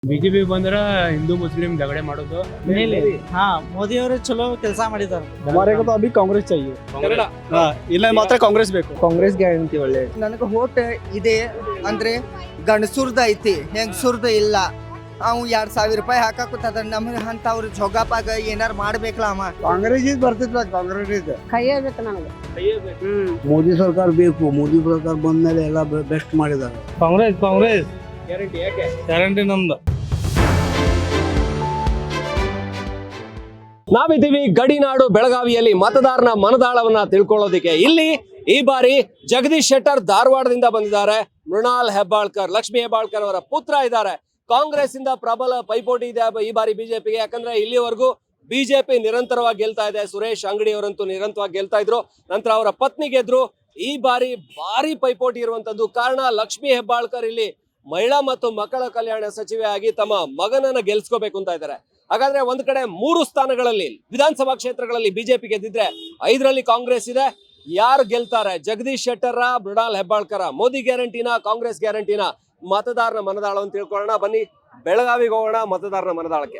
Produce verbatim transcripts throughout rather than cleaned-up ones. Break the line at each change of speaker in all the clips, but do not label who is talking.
BJP ಬಂದ್ರ Hindu Muslim झगड़े ಮಾಡೋದು
ಮೇಲೆ ಹಾ ಮೋದಿ ಅವರು ಚಲೋ ಕೆಲಸ ಮಾಡಿದ್ದಾರೆ.
हमारे को तो अभी कांग्रेस चाहिए. हाँ, ಇಲ್ಲ ಮಾತ್ರ ಕಾಂಗ್ರೆಸ್ ಬೇಕು.
ಕಾಂಗ್ರೆಸ್ ಗ್ಯಾರಂಟಿ ಒಳ್ಳೆ. ನನಗೆ ಹೋಟ್ ಇದೆ ಅಂದ್ರೆ ಗಂಡಸುರ್ದ ಐತಿ, ಹೆಂಗಸುರ್ದ ಇಲ್ಲ. ಅವ್ ಎರಡ್ ಸಾವಿರ ರೂಪಾಯಿ ಹಾಕಾಕುತ್ತದ. ನಮ್ಗೆ ಅಂತವ್ರು ಜೋಗಪಾಗ ಏನಾರು ಮಾಡ್ಬೇಕಲ್ಲ ಅವ.
ಕಾಂಗ್ರೆಸ್ ಇದು ಬರ್ತಿದ್ಲ ಕಾಂಗ್ರೆಸ್ ಇದು.
ಕೈಯಬೇಕು ನನಗೆ.
ಮೋದಿ ಸರ್ಕಾರ ಬೇಕು. ಮೋದಿ ಸರ್ಕಾರ ಬಂದ್ಮೇಲೆ ಎಲ್ಲ ಬೆಸ್ಟ್ ಮಾಡಿದ್ದಾರೆ.
ಕಾಂಗ್ರೆಸ್ ಕಾಂಗ್ರೆಸ್ ಗ್ಯಾರಂಟಿ ಯಾಕೆ ಗ್ಯಾರಂಟಿ ನಮ್ದು.
ನಾವಿದ್ದೀವಿ ಗಡಿನಾಡು ಬೆಳಗಾವಿಯಲ್ಲಿ ಮತದಾರನ ಮನದಾಳವನ್ನ ತಿಳ್ಕೊಳ್ಳೋದಿಕ್ಕೆ. ಇಲ್ಲಿ ಈ ಬಾರಿ ಜಗದೀಶ್ ಶೆಟ್ಟರ್ ಧಾರವಾಡದಿಂದ ಬಂದಿದ್ದಾರೆ. ಮೃಣಾಲ್ ಹೆಬ್ಬಾಳ್ಕರ್, ಲಕ್ಷ್ಮೀ ಹೆಬ್ಬಾಳ್ಕರ್ ಅವರ ಪುತ್ರ ಇದ್ದಾರೆ. ಕಾಂಗ್ರೆಸ್ ಇಂದ ಪ್ರಬಲ ಪೈಪೋಟಿ ಇದೆ ಈ ಬಾರಿ ಬಿಜೆಪಿಗೆ. ಯಾಕಂದ್ರೆ ಇಲ್ಲಿವರೆಗೂ ಬಿಜೆಪಿ ನಿರಂತರವಾಗಿ ಗೆಲ್ತಾ ಇದೆ. ಸುರೇಶ್ ಅಂಗಡಿ ಅವರಂತೂ ನಿರಂತರವಾಗಿ ಗೆಲ್ತಾ ಇದ್ರು, ನಂತರ ಅವರ ಪತ್ನಿ ಗೆದ್ರು. ಈ ಬಾರಿ ಭಾರಿ ಪೈಪೋಟಿ ಇರುವಂತದ್ದು. ಕಾರಣ ಲಕ್ಷ್ಮೀ ಹೆಬ್ಬಾಳ್ಕರ್ ಇಲ್ಲಿ ಮಹಿಳಾ ಮತ್ತು ಮಕ್ಕಳ ಕಲ್ಯಾಣ ಸಚಿವೆ ಆಗಿ ತಮ್ಮ ಮಗನನ್ನ ಗೆಲ್ಸ್ಕೋಬೇಕು ಅಂತ ಇದ್ದಾರೆ. ಹಾಗಾದ್ರೆ ಒಂದ್ ಕಡೆ ಮೂರು ಸ್ಥಾನಗಳಲ್ಲಿ ವಿಧಾನಸಭಾ ಕ್ಷೇತ್ರಗಳಲ್ಲಿ ಬಿಜೆಪಿ ಗೆದ್ದಿದ್ರೆ ಐದರಲ್ಲಿ ಕಾಂಗ್ರೆಸ್ ಇದೆ. ಯಾರು ಗೆಲ್ತಾರೆ? ಜಗದೀಶ್ ಶೆಟ್ಟರ್, ಮೃಣಾಲ್ ಹೆಬ್ಬಾಳ್ಕರ? ಮೋದಿ ಗ್ಯಾರಂಟಿನ, ಕಾಂಗ್ರೆಸ್ ಗ್ಯಾರಂಟಿನ? ಮತದಾರನ ಮನದಾಳವನ್ನು ತಿಳ್ಕೊಳ್ಳೋಣ ಬನ್ನಿ. ಬೆಳಗಾವಿಗೆ ಹೋಗೋಣ ಮತದಾರನ ಮನದಾಳಕ್ಕೆ.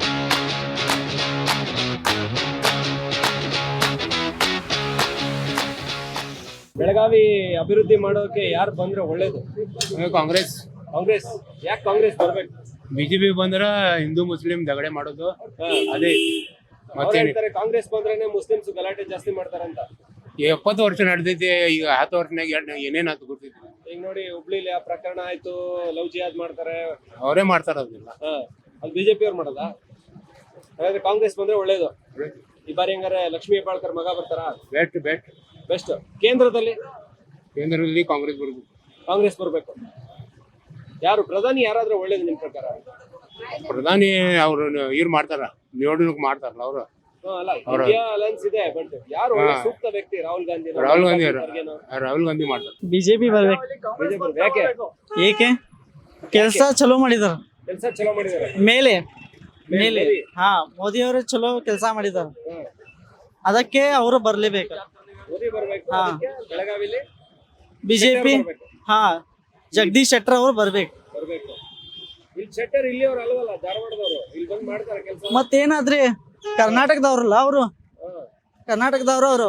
ಬೆಳಗಾವಿ ಅಭಿವೃದ್ಧಿ ಮಾಡೋಕೆ ಯಾರು ಬಂದ್ರೆ ಒಳ್ಳೇದು?
ಕಾಂಗ್ರೆಸ್
ಕಾಂಗ್ರೆಸ್. ಯಾಕೆ ಕಾಂಗ್ರೆಸ್ ಬರ್ಬೇಕು?
ಬಿಜೆಪಿ ಬಂದ್ರ ಹಿಂದೂ ಮುಸ್ಲಿಂ झगड़े ಮಾಡೋದು ಅದೇ.
ಅವ್ರು
ಮತ್ತೆ
ಹೇಳ್ತಾರೆ ಕಾಂಗ್ರೆಸ್ ಬಂದ್ರೇನೆ ಮುಸ್ಲಿಮ್ಸ್ ಗಲಾಟೆ ಜಾಸ್ತಿ ಮಾಡ್ತಾರಂತ.
ಎಪ್ಪತ್ತು ವರ್ಷ ನಡೆದೈತಿ, ಈಗ ಹತ್ತು ವರ್ಷನಾಗ ಏನೇನಾಯ್ತು ಗೊತ್ತಿತ್ತು.
ಈಗ ನೋಡಿ ಹುಬ್ಳಿಲಿ ಆ ಪ್ರಕರಣ ಆಯ್ತು, ಲವ್ ಜಿಹಾದ್ ಮಾಡ್ತಾರೆ,
ಅವರೇ ಮಾಡ್ತಾರ ಅದನ್ನೆಲ್ಲ.
ಅಲ್ಲಿ ಬಿಜೆಪಿ ಅವ್ರು ಮಾಡೋದಾ? ಹಾಗಾದ್ರೆ ಕಾಂಗ್ರೆಸ್ ಬಂದ್ರೆ ಒಳ್ಳೇದು. ಈ ಬಾರಿ ಹಂಗಾರೆ ಲಕ್ಷ್ಮೀ ಹೆಬ್ಬಾಳ್ಕರ್ ಮಗ ಬರ್ತಾರ?
Best best
best. ಕೇಂದ್ರದಲ್ಲಿ
ಕೇಂದ್ರದಲ್ಲಿ ಕಾಂಗ್ರೆಸ್ ಬರ್ಬೇಕು.
ಕಾಂಗ್ರೆಸ್ ಬರ್ಬೇಕು. ಯಾರು ಪ್ರಧಾನಿ ಯಾರಾದ್ರೂ ಒಳ್ಳೇದು ನಿಮ್ ಪ್ರಕಾರ?
ಪ್ರಧಾನಿ ಅವ್ರು ಇವ್ರು ಮಾಡ್ತಾರ, ನಿಯೋಡಣೆ ಮಾಡ್ತಾರಲ್ಲ ಅವರು.
ಅಲ್ಲ, ಇಂಡಿಯಾ ಅಲಯನ್ಸ್ ಇದೆ, ಬಟ್ ಯಾರು ಒಳ್ಳೆ ಸೂಕ್ತ ವ್ಯಕ್ತಿ? ರಾಹುಲ್ ಗಾಂಧಿ
ರಾಹುಲ್ ಗಾಂಧಿ ರಾಹುಲ್ ಗಾಂಧಿ ಮಾಡ್ತಾರೆ.
ಬಿಜೆಪಿ ಬರ್ಬೇಕು.
ಬಿಜೆಪಿ ಯಾಕೆ?
ಏಕೆ ಕೆಲಸ ಚಲೋ ಮಾಡಿದಾರ.
ಕೆಲಸ ಚಲೋ ಮಾಡಿದ್ದಾರೆ.
ಮೇಲೆ ಮೇಲೆ ಹಾ ಮೋದಿ ಅವರು ಚಲೋ ಕೆಲಸ ಮಾಡಿದಾರ, ಅದಕ್ಕೆ ಅವರು ಬರ್ಲೇಬೇಕು.
ಮೋದಿ ಬರ್ಬೇಕು.
ಹಾ.
ಅದಕ್ಕೆ ಬೆಳಗಾವಿಲಿ
ಬಿಜೆಪಿ ಹಾ ಜಗದೀಶ್ ಶೆಟ್ಟರ್ ಅವರು ಬರ್ಬೇಕು.
ಬರ್ಬೇಕು. ಇಲ್ಲಿ ಶೆಟ್ಟರ್ ಇಲ್ಲಿ ಅವ್ರು ಅಲ್ವಲ್ಲ, ಧಾರವಾಡದವರು. ಇಲ್ಲಿ ಬಂದ್ ಮಾಡ್ತಾರೆ ಕೆಲಸ.
ಮತ್ತೇನಾದ್ರಿ ಕರ್ನಾಟಕದವ್ರಲ್ಲ ಅವರು, ಕರ್ನಾಟಕದವ್ರು ಅವರು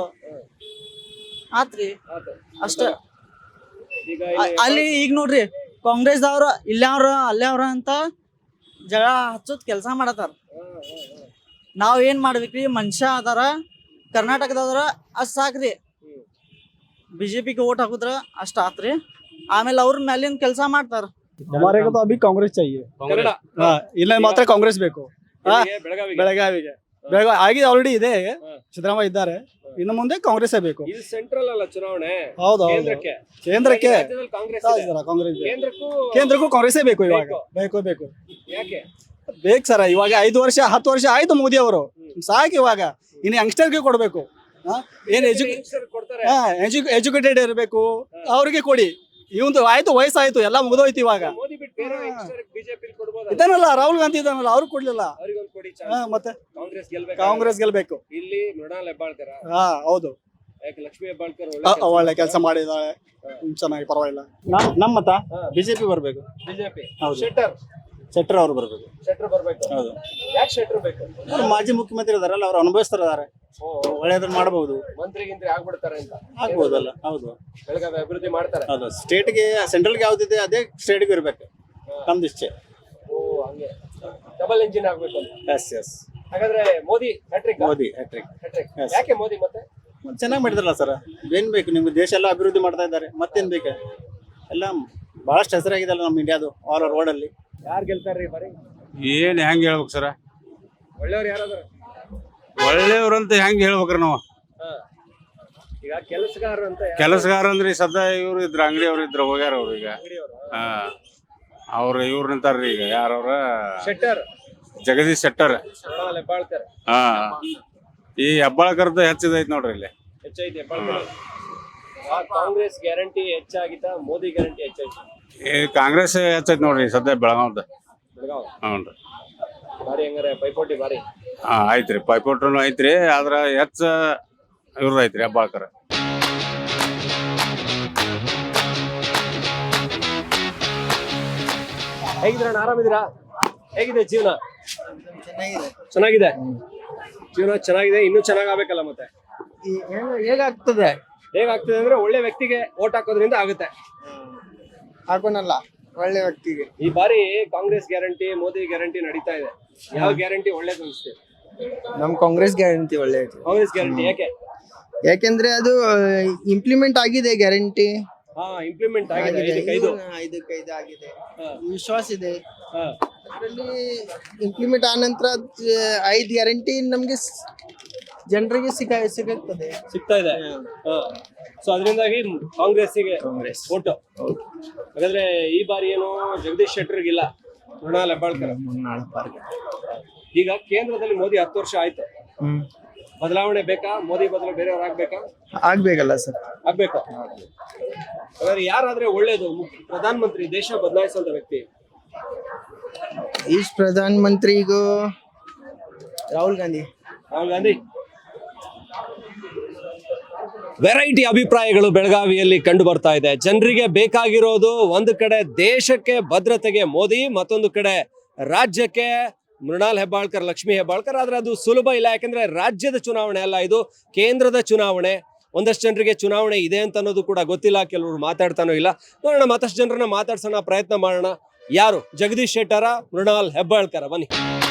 ಆತ್ರಿ ಅಷ್ಟ.
ಈಗ
ಅ- ಅಲ್ಲಿ ಈಗ ನೋಡ್ರಿ ಕಾಂಗ್ರೆಸ್ದವ್ರು ಇಲ್ಲವ್ರ ಅಲ್ಲವ್ರ ಅಂತ ಜಗಳ ಹಚ್ಚೋದ್ ಕೆಲಸ ಮಾಡತಾರ. ನಾವ್ ಏನ್ ಮಾಡ್ಬೇಕ್ರಿ? ಮನುಷ್ಯ ಅದಾರ ಕರ್ನಾಟಕದವ್ರ ಅಷ್ಟ್ ಸಾಕ್ರಿ. ಬಿಜೆಪಿಗೆ ಓಟ್ ಹಾಕುದ್ರ ಅಷ್ಟ ಆತ್ರಿ. ಆಮೇಲೆ ಅವ್ರ ಮೇಲಿನ ಕೆಲಸ ಮಾಡ್ತಾರ.
हमारे को तो अभी कांग्रेस चाहिए.
ಕನ್ನಡ
हाँ, ಇಲ್ಲ ಮಾತ್ರ ಕಾಂಗ್ರೆಸ್ ಬೇಕು.
ಬೆಳಗಾವಿ
ಬೆಳಗಾವಿಗೆ ಬೆಳಗಾವಿ ಆಗಿದೆ, ಆಲ್ರೆಡಿ ಇದೆ. ಸಿದ್ದರಾಮಯ್ಯ ಇದ್ದಾರೆ, ಇನ್ನು ಮುಂದೆ ಕಾಂಗ್ರೆಸ್ ಬೇಕು.
ಇದು ಸೆಂಟ್ರಲ್ ಅಲ್ಲ ಚುನಾವಣೆ,
ಹೌದು ಹೌದು.
ಕೇಂದ್ರಕ್ಕೆ.
ಕೇಂದ್ರಕ್ಕೆ
ರಾಜ್ಯದಲ್ಲಿ ಕಾಂಗ್ರೆಸ್ ಇದೆ.
ಕಾಂಗ್ರೆಸ್
ಕೇಂದ್ರಕ್ಕೂ
ಕೇಂದ್ರಕ್ಕೂ ಕಾಂಗ್ರೆಸ್ ಬೇಕು ಇವಾಗ. ಬೇಕು ಬೇಕು
ಯಾಕೆ?
ಬೇಕು ಸರ. ಇವಾಗ ಐದು ವರ್ಷ ಹತ್ತು ವರ್ಷ ಆಯ್ತು ಮೋದಿ ಅವರು, ಸಾಕು. ಇವಾಗ ಇನ್ನು ಯಂಗ್ಸ್ಟರ್ಗೆ ಕೊಡ್ಬೇಕು. ಹಾ, ಏನ್ ಎಜು
ಯಂಗ್ಸ್ಟರ್ ಕೊಡ್ತಾರೆ.
ಹಾ ಎಜುಕೇಟೆಡ್ ಇರಬೇಕು, ಅವ್ರಿಗೆ ಕೊಡಿ. ಇವಂದು ಆಯ್ತು, ವಯಸ್ಸಾಯ್ತು, ಎಲ್ಲ ಮುಗಿದೋಯ್ತು. ಇವಾಗ
ಮೋದಿ ಬಿಟ್ಟು ಬೇರೆ ಯಂಗ್ಸ್ಟರ್ ಬಿಜೆಪಿ ಕೊಡ್ಬೋದಲ್ಲ?
ಇದಾನಲ್ಲ ರಾಹುಲ್ ಗಾಂಧಿ ಇದಾನಲ್ಲ, ಅವ್ರು ಕೊಡ್ಲಿಲ್ಲ.
ಅವರಿಗೊಂದು ಕೊಡಿ
ಹಾ,
ಚಾನ್ಸ್.
ಮತ್ತೆ
ಕಾಂಗ್ರೆಸ್ ಗೆಲ್ಬೇಕು.
ಕಾಂಗ್ರೆಸ್ ಗೆಲ್ಬೇಕು.
ಇಲ್ಲಿ ಮೃಣಾಲ್ ಹೆಬ್ಬಾಳ್ಕರ,
ಹಾ ಹೌದು.
ಯಾಕೆ ಲಕ್ಷ್ಮೀ ಹೆಬ್ಬಾಳ್ಕರ್
ಆ,
ಒಳ್ಳೆ
ಒಳ್ಳೆ ಕೆಲಸ ಮಾಡಿದಾಳೆ, ಚೆನ್ನಾಗಿ, ಪರವಾಗಿಲ್ಲ. ನಮ್ಮ ಮತ ಬಿಜೆಪಿ ಬರ್ಬೇಕು.
ಬಿಜೆಪಿ.
ಹೌದು.
ಶೆಟ್ಟರ್
ಶೆಟ್ಟರ್ ಅವರು ಬರ್ಬೇಕು.
ಶೆಟ್ಟರ್ ಬರ್ಬೇಕು.
ಹೌದು.
ಯಾಕೆ ಶೆಟ್ಟರ್ ಬೇಕು?
ಅವ್ರು ಮಾಜಿ ಮುಖ್ಯಮಂತ್ರಿ ಇದಾರಲ್ಲ, ಅವ್ರು ಅನುಭವಿಸ್ತಾರೆ,
ಓ,
ಒಳ್ಳೇದನ್ನ ಮಾಡಬಹುದು.
ಮಂತ್ರಿ ಗಿಂತ್ರಿ ಆಗ್ಬಿಡ್ತಾರೆ ಅಂತ
ಆಗ್ಬೋದಲ್ಲ. ಹೌದು
ಬೆಳಗಾವಿ ಅಭಿವೃದ್ಧಿ ಮಾಡ್ತಾರೆ.
ಹೌದು. ಸ್ಟೇಟ್ಗೆ ಸೆಂಟ್ರಲ್ಗೆ ಯಾವ್ದಿದೆ ಅದೇ ಸ್ಟೇಟ್ಗೆ ಇರ್ಬೇಕು, ನಮ್ದು ಇಷ್ಟೇ.
ಓ, ಹಂಗೆ ಡಬಲ್ ಇಂಜಿನ್ ಆಗ್ಬೇಕು ಅಂತ.
ಎಸ್ ಎಸ್
ಹಾಗಾದ್ರೆ Modi hattrick.
Modi hattrick
hattrick.
Yes.
ಯಾಕೆ ಮೋದಿ ಮತ್ತೆ?
ಚೆನ್ನಾಗಿ ಮಾಡಿದ್ರಲ್ಲ ಸರ್, ಏನ್ ಬೇಕು ನಿಮ್ಗೆ? ದೇಶ ಎಲ್ಲ ಅಭಿವೃದ್ಧಿ ಮಾಡ್ತಾ ಇದ್ದಾರೆ, ಮತ್ತೇನ್ ಬೇಕು? ಎಲ್ಲ ಬಹಳಷ್ಟು ಹೆಸರಾಗಿದೆಲ್ಲ ನಮ್ಮ ಇಂಡಿಯಾದು, ಆಲ್ ಓವರ್ ವರ್ಲ್ಡ್ ಅಲ್ಲಿ.
ಯಾರು ಗೆಲ್ತಾರ್ರಿ ಬರೀ?
ಏನ್ ಹೆಂಗ್ ಹೇಳ್ಬೇಕು ಸರ?
ಒಳ್ಳೆಯವ್ರು ಯಾರಾದ್ರ?
ಒಳ್ಳೆಯವ್ರಂತ ಹೆಂಗ್ ಹೇಳ್ಬೇಕ್ರಿ ನಾವು?
ಈಗ ಕೆಲಸಗಾರರು ಅಂತ ಯಾರು?
ಕೆಲಸಗಾರ ಅಂದ್ರಿ ಸದಾ ಇವ್ರು ಇದ್ರ ಅಂಗಡಿ ಅವ್ರು ಇದ್ರ ಹೋಗ್ಯಾರ ಅವ್ರು ಈಗ.
ಅಂಗಡಿಯವ್ರು?
ಹಾ, ಅವ್ರ ಇವ್ರ ನಿಂತಾರ್ರಿ ಈಗ. ಯಾರವ್ರ?
ಶೆಟ್ಟರ್,
ಜಗದೀಶ್ ಶೆಟ್ಟರ್.
ಮೃಣಾಲ್ ಹೆಬ್ಬಾಳ್ಕರ್.
ಹಾ, ಈ ಹೆಬ್ಬಾಳ್ಕರ್ದ ಹೆಚ್ಚಿದೈತ್ ನೋಡ್ರಿ ಇಲ್ಲಿ.
ಹೆಚ್ಚೈತಿ ಹೆಬ್ಬಾಳ್ಕರ್. ಆ, ಕಾಂಗ್ರೆಸ್ ಗ್ಯಾರಂಟಿ ಹೆಚ್ಚಾಗಿತ್ತ, ಮೋದಿ ಗ್ಯಾರಂಟಿ ಹೆಚ್ಚಾಯ್ತು?
ಈ ಕಾಂಗ್ರೆಸ್ ಹೆಚ್ಚೈತ್ ನೋಡ್ರಿ ಸದ್ಯ ಬೆಳಗಾವ್ದ.
ಬೆಳಗಾವ್
ಹ್ಞೂನ್ರಿ.
ಬಾರಿ ಹಂಗಾರೆ ಪೈಪೋಟಿ ಬಾರಿ.
ಹಾ, ಐತ್ರಿ, ಪೈಪೋಟ್ರನು ಐತ್ರಿ. ಆದ್ರ ಹೆಚ್ಚ ಇವ್ರದ್ದು ಐತ್ರಿ ಹೆಬ್ಬಾಳ್ಕರ್.
ಹೇಗಿದ್ದೀರಣ್ಣ? ಆರಾಮಿದ್ದೀರಾ? ಹೇಗಿದೆ ಜೀವನ?
ಚೆನ್ನಾಗಿದೆ.
ಚೆನ್ನಾಗಿದೆ ಜೀವನ ಚೆನ್ನಾಗಿದೆ. ಇನ್ನೂ ಚೆನ್ನಾಗಾಗಬೇಕಲ್ಲ ಮತ್ತೆ.
ಹೇಗಾಗ್ತದೆ
ಹೇಗಾಗ್ತದೆ ಅಂದ್ರೆ ಒಳ್ಳೆ ವ್ಯಕ್ತಿಗೆ ಓಟ್ ಹಾಕೋದ್ರಿಂದ ಆಗುತ್ತೆ.
ಹಾಕೋನಲ್ಲ ಒಳ್ಳೆ ವ್ಯಕ್ತಿಗೆ.
ಈ ಬಾರಿ ಕಾಂಗ್ರೆಸ್ ಗ್ಯಾರಂಟಿ, ಮೋದಿ ಗ್ಯಾರಂಟಿ ನಡೀತಾ ಇದೆ. ಯಾವ ಗ್ಯಾರಂಟಿ ಒಳ್ಳೇದು ಅನಿಸ್ತದೆ?
ನಮ್ ಕಾಂಗ್ರೆಸ್ ಗ್ಯಾರಂಟಿ ಒಳ್ಳೇದು.
ಕಾಂಗ್ರೆಸ್ ಗ್ಯಾರಂಟಿ ಯಾಕೆ?
ಯಾಕೆಂದ್ರೆ ಅದು ಇಂಪ್ಲಿಮೆಂಟ್ ಆಗಿದೆ ಗ್ಯಾರಂಟಿ.
ಹಾ, ಇಂಪ್ಲಿಮೆಂಟ್ ಆಗಿದೆ. ಐದಕ್ಕೈದು
ಐದಕ್ಕೈದು ಆಗಿದೆ.
ಹಾ.
ವಿಶ್ವಾಸ ಇದೆ.
ಹಾ.
ಅದರಲ್ಲಿ ಇಂಪ್ಲಿಮೆಂಟ್ ಆದ ನಂತರ ಐದು ಗ್ಯಾರಂಟಿ ನಮ್ಗೆ ಸ್- ಜನರಿಗೆ ಸಿಗ ಸಿಗುತ್ತದೆ.
ಸಿಗ್ತಾ ಇದೆ. ಸೊ ಅದರಿಂದಾಗಿ ಕಾಂಗ್ರೆಸ್ಸಿಗೆ
ಕಾಂಗ್ರೆಸ್
ಓಟು. ಹಾಗಾದ್ರೆ ಈ ಬಾರಿ ಏನು ಜಗದೀಶ್ ಶೆಟ್ಟರ್ಗಿಲ್ಲ, ಮೃಣಾಲ್ ಹೆಬ್ಬಾಳ್ಕರ್. ಈಗ ಕೇಂದ್ರದಲ್ಲಿ ಮೋದಿ ಹತ್ತು ವರ್ಷ ಆಯ್ತು.
ಹ್ಮ್
ಬದಲಾವಣೆ ಬೇಕಾ? ಮೋದಿ ಬದಲು ಬೇರೆಯವ್ರು ಆಗ್ಬೇಕಾ?
ಆಗ್ಬೇಕಲ್ಲ ಸರ್.
ಆಗ್ಬೇಕು. ಹಾಗಾದ್ರೆ ಯಾರಾದ್ರೆ ಒಳ್ಳೇದು? ಪ್ರಧಾನ ಮಂತ್ರಿ, ದೇಶ ಬದಲಾಯಿಸುವಂತ ವ್ಯಕ್ತಿ.
ಈ ಪ್ರಧಾನ ಮಂತ್ರಿಗೂ ರಾಹುಲ್ ಗಾಂಧಿ.
ರಾಹುಲ್ ಗಾಂಧಿ. ವೆರೈಟಿ ಅಭಿಪ್ರಾಯಗಳು ಬೆಳಗಾವಿಯಲ್ಲಿ ಕಂಡು ಬರ್ತಾ ಇದೆ. ಜನರಿಗೆ ಬೇಕಾಗಿರೋದು ಒಂದು ಕಡೆ ದೇಶಕ್ಕೆ ಭದ್ರತೆಗೆ ಮೋದಿ, ಮತ್ತೊಂದು ಕಡೆ ರಾಜ್ಯಕ್ಕೆ ಮೃಣಾಲ್ ಹೆಬ್ಬಾಳ್ಕರ್, ಲಕ್ಷ್ಮೀ ಹೆಬ್ಬಾಳ್ಕರ್. ಆದ್ರೆ ಅದು ಸುಲಭ ಇಲ್ಲ, ಯಾಕಂದ್ರೆ ರಾಜ್ಯದ ಚುನಾವಣೆ ಅಲ್ಲ, ಇದು ಕೇಂದ್ರದ ಚುನಾವಣೆ. ಒಂದಷ್ಟು ಜನರಿಗೆ ಚುನಾವಣೆ ಇದೆ ಅಂತ ಅನ್ನೋದು ಕೂಡ ಗೊತ್ತಿಲ್ಲ, ಕೆಲವರು ಮಾತಾಡ್ತಾನೋ ಇಲ್ಲ. ನೋಡೋಣ, ಮತ್ತಷ್ಟು ಜನರನ್ನ ಮಾತಾಡ್ಸೋಣ, ಪ್ರಯತ್ನ ಮಾಡೋಣ. ಯಾರು? ಜಗದೀಶ್ ಶೆಟ್ಟರ, ಮೃಣಾಲ್ ಹೆಬ್ಬಾಳ್ಕರ? ಬನ್ನಿ.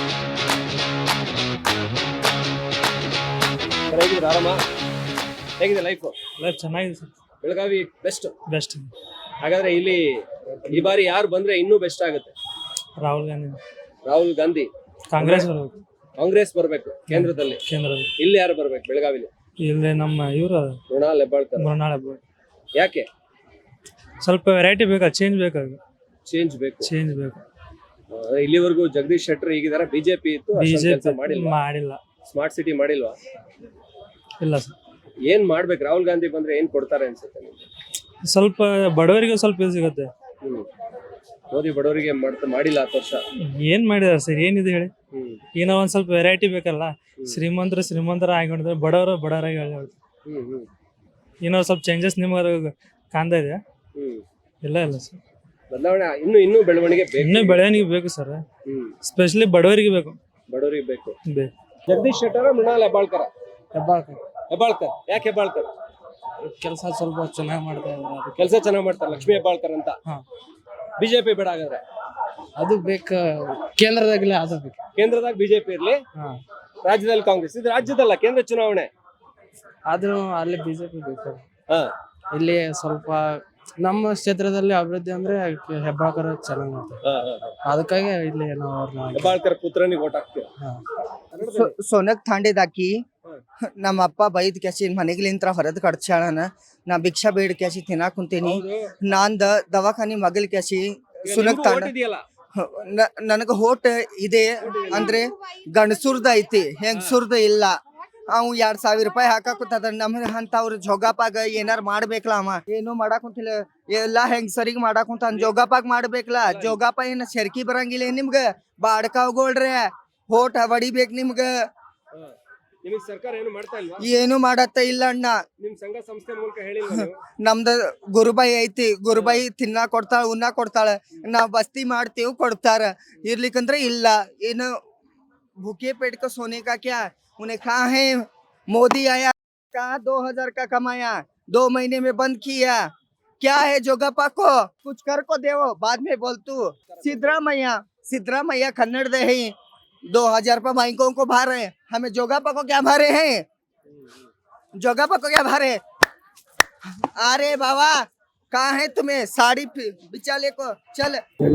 ಹೇಗಿದೆ ಆರಾಮ? ಹೇಗಿದೆ ಲೈಫ್?
ಲೈಫ್ ಚೆನ್ನಾಗಿದೆ ಸರ್.
Belagavi best
best.
ಹಾಗಾದ್ರೆ ಇಲ್ಲಿ ಈ ಬಾರಿ ಯಾರು ಬಂದ್ರೆ ಇನ್ನೂ ಬೆಸ್ಟ್ ಆಗುತ್ತೆ?
ರಾಹುಲ್ ಗಾಂಧಿ.
ರಾಹುಲ್ ಗಾಂಧಿ.
ಕಾಂಗ್ರೆಸ್ ಬರ್ಬೇಕು.
ಕಾಂಗ್ರೆಸ್ ಬರ್ಬೇಕು ಕೇಂದ್ರದಲ್ಲಿ.
ಕೇಂದ್ರದಲ್ಲಿ
ಇಲ್ಲಿ ಯಾರು ಬರ್ಬೇಕು ಬೆಳಗಾವಿಲಿ?
ಇಲ್ಲಿ ನಮ್ಮ ಇವ್ರ
ಮೃಣಾಲ್ ಹೆಬ್ಬಾಳ್ಕರ್.
ಮೃಣಾಲ್ ಹೆಬ್ಬಾಳ್ಕರ್.
ಯಾಕೆ?
ಸ್ವಲ್ಪ ವೆರೈಟಿ ಬೇಕಾ? ಚೇಂಜ್ ಬೇಕಾಗ
ಚೇಂಜ್ ಬೇಕು.
ಚೇಂಜ್ ಬೇಕು.
ಆ, ಇಲ್ಲಿವರೆಗೂ ಜಗದೀಶ್ ಶೆಟ್ಟರ್ ಈಗಿದಾರ, ಬಿಜೆಪಿ ಇತ್ತು, ಅಷ್ಟೊಂದ್ ಕೆಲ್ಸ
ಬಿಜೆಪಿ
ಮಾಡಿಲ್ವಾ?
ಮಾಡಿಲ್ಲ.
ಸ್ಮಾರ್ಟ್ ಸಿಟಿ ಮಾಡಿಲ್ವಾ?
ಇಲ್ಲ ಸರ್.
ಏನ್ ಮಾಡ್ಬೇಕು? ರಾಹುಲ್ ಗಾಂಧಿ ಬಂದ್ರೆ ಏನ್ ಕೊಡ್ತಾರೆ ಅನ್ಸುತ್ತೆ ನಿಮ್ಗೆ?
ಸ್ವಲ್ಪ ಬಡವರಿಗೆ ಸ್ವಲ್ಪ ಇದು ಸಿಗುತ್ತೆ.
ಹ್ಮ್ ಮೋದಿ ಬಡವರಿಗೆ ಮಾಡ್ತಾ ಮಾಡಿಲ್ಲ ಹತ್ತು ವರ್ಷ.
ಏನ್ ಮಾಡಿದಾರೆ ಸರ್? ಏನಿದೆ ಹೇಳಿ?
ಹ್ಮ್
ಏನೋ ಒಂದ್ ಸ್ವಲ್ಪ ವೆರೈಟಿ ಬೇಕಲ್ಲ. ಶ್ರೀಮಂತರು ಶ್ರೀಮಂತರ ಆಗಿದ್ರೆ ಬಡವರು ಬಡವರಾಗಿ ಹೇಳ್ತಾರೆ.
ಹ್ಮ್ ಹ್ಮ್
ಏನೋ ಸ್ವಲ್ಪ ಚೇಂಜಸ್ ನಿಮ್ಗೆ ಕಾಣ್ತಾ ಇದೆ?
ಹ್ಮ್
ಇಲ್ಲ ಇಲ್ಲ ಸರ್.
ಬದಲಾವಣೆ ಇನ್ನು ಇನ್ನೂ ಬೆಳವಣಿಗೆ ಬೇಕು.
ಇನ್ನೂ ಬೆಳವಣಿಗೆ ಬೇಕು ಸರ್.
ಹ್ಮ್
ಸ್ಪೆಷಲಿ ಬಡವರಿಗೆ ಬೇಕು.
ಬಡವರಿಗೆ ಬೇಕು.
ಬೇಕು.
ಜಗದೀಶ್ ಶೆಟ್ಟರ, ಮೃಣಾಲ್ ಹೆಬ್ಬಾಳ್ಕರ?
ಹೆಬ್ಬಾಳ್ಕರ್.
ಹೆಬ್ಬಾಳ್ಕರ್. ಯಾಕೆ ಹೆಬ್ಬಾಳ್ಕರ್?
ಕೆಲಸ ಸ್ವಲ್ಪ ಚೆನ್ನಾಗಿ ಮಾಡ್ತಾ ಇದ್ದಾರೆ. ಅದಕ್ಕೆ
ಕೆಲಸ ಚೆನ್ನಾಗಿ ಮಾಡ್ತಾರೆ, ಲಕ್ಷ್ಮೀ ಹೆಬ್ಬಾಳ್ಕರ್ ಅಂತ.
ಹಾ.
ಬಿಜೆಪಿ ಬೇಡ ಹಾಗಾದ್ರೆ?
ಅದು ಬೇಕು. ಕೇಂದ್ರದಾಗಲೇ ಅದು ಬೇಕು.
ಕೇಂದ್ರದಾಗ ಬಿಜೆಪಿ ಇರ್ಲಿ,
ಹಾ.
ರಾಜ್ಯದಲ್ಲಿ ಕಾಂಗ್ರೆಸ್. ಇದು ರಾಜ್ಯದಲ್ಲ, ಕೇಂದ್ರ ಚುನಾವಣೆ.
ಆದ್ರೂ ಅಲ್ಲಿ ಬಿಜೆಪಿ ಬೇಕು.
ಹಾ.
ಇಲ್ಲಿ ಸ್ವಲ್ಪ ನಮ್ಮ ಕ್ಷೇತ್ರದಲ್ಲಿ ಅಭಿವೃದ್ಧಿ ಅಂದ್ರೆ ಹೆಬ್ಬಾಳ್ಕರ್ ಚೆನ್ನಾಗಿ ಮಾಡ್ತಾರೆ.
ಹಾ, ಹಾ, ಹಾ.
ಅದಕ್ಕಾಗಿ ಇಲ್ಲಿ ನಾವು ಅವ್ರನ್ನ
ಹೆಬ್ಬಾಳ್ಕರ್ ಪುತ್ರನಿಗೆ ಓಟ್ ಹಾಕ್ತೀವಿ.
ಸೋನಕ್ ತಾಂಡೆದಾಕಿ ನಮ್ಮ ಅಪ್ಪ ಬೈದ್ ಕ್ಯಾಸಿ ಮನೆಗಿಲಿಂತ್ರ ಹೊರದ್ ಕಡ್ಸ್ಯಾಳನ. ನಾ ಭಿಕ್ಷಾ ಬೇಡ್ ಕ್ಯಾಸಿ ತಿನ್ನಾಕ್ ಕುಂತೀನಿ. ನಾಂದ ದವಾಖಾನಿ ಮಗಲ್ ಕ್ಯಾಸಿ ಸುನಕ್ ತಾಂಡ ನನಗ ಹೋಟ್ ಇದೆ ಅಂದ್ರೆ ಗಂಡಸುರ್ದ ಐತಿ, ಹೆಂಗಸುರ್ದ ಇಲ್ಲ. ಅವ್ ಎರಡ್ ಸಾವಿರ ರೂಪಾಯಿ ಹಾಕಾಕುತ್ತದ. ನಮ್ ಅಂತವ್ರ ಜೋಗಾಪಾಗ ಏನಾರ ಮಾಡ್ಬೇಕಲ್ಲ. ಅವ ಏನು ಮಾಡಾಕ್ ಕುಂತಿಲ್ಲ, ಎಲ್ಲಾ ಹೆಂಗಸರಿಗ್ ಮಾಡಾಕ್ ಕುಂತ. ಜೋಗಾಪಾಗ ಮಾಡ್ಬೇಕಲ್ಲ. ಜೋಗಾಪ ಏನ್ ಸೆರ್ಕಿ ಬರಂಗಿಲ್ಲ ನಿಮ್ಗ? ಬಾಡ್ಕಾವ್ಗೊಳ್ರೆ ಹೋಟ್ ಹೊಡಿಬೇಕ್ ನಿಮ್ಗ.
ನಿಮಗೆ ಸರ್ಕಾರ ಏನು ಮಾಡ್ತಾ ಇಲ್ವಾ?
ಏನು ಮಾಡತ್ತ ಇಲ್ಲ ಅಣ್ಣ.
ನಿಮ್ ಸಂಘ ಸಂಸ್ಥೆ ಮೂಲಕ ಹೇಳಿಲ್ವಾ ನೀವು?
ನಮ್ದ ಗುರುಬಾಯಿ ಐತಿ. ಗುರುಬಾಯಿ ತಿನ್ನಾ ಕೊಡ್ತಾಳ, ಉಣ್ಣಾ ಕೊಡ್ತಾಳ. ನಾವ್ ಬಸ್ತಿ ಮಾಡ್ತೀವಿ, ಕೊಡ್ತಾರ. ಇರ್ಲಿಕ್ಕಂದ್ರೆ ಇಲ್ಲ. ಏನು भूखे पेट को सोने का क्या? उन्हें कहा है मोदी आया, कहा दो हजार का कमाया, दो महीने में बंद किया. क्या है जोगप्पा को कुछ कर को देवो, बाद में बोल तू. सिद्धरामैया सिद्धरामैया कन्नड़ दे है. दो हजार रुपये बैंकों को भर रहे, हमें जोगप्पा को क्या भरे हैं? जोगप्पा को क्या भरे? अरे बाबा कहाँ है तुम्हें साड़ी बिचाले को? चल